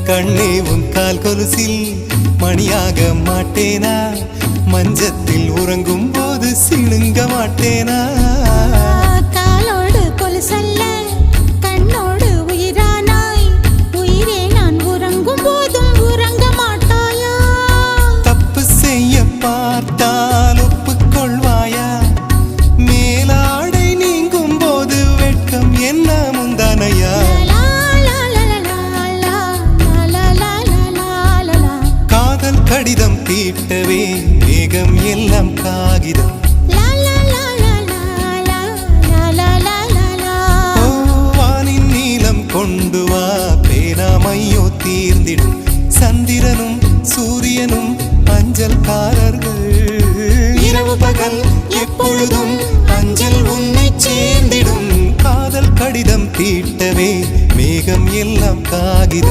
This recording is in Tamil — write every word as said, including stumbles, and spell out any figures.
கண்ணே உன் கால் கொலுசில் மணியாக மாட்டேனா? மஞ்சத்தில் உறங்கும் போது சிணுங்க மாட்டேனா? காலோடு கொலுசல்ல கண்ணோடு உயிரானாய், உயிரே நான் உறங்கும் போதும் உறங்க மாட்டாயா? தப்பு செய்ய பார்த்தால் ஒப்புக்கொள்வாயா? மேலாடை நீங்கும் போது வெட்கம் என்ன முந்தானையா? காதல் கடிதம் தீட்டவே மேகம் எல்லாம் காகிதம். வானின் நீளம் கொண்டு வா, பேராமையோ தீர்ந்திடும். சந்திரனும் சூரியனும் அஞ்சல்காரர்கள். இரவு பகல் எப்பொழுதும் அஞ்சல் உன்னை சேர்ந்திடும். காதல் கடிதம் தீட்டவே மேகம் எல்லாம் காகிதம்.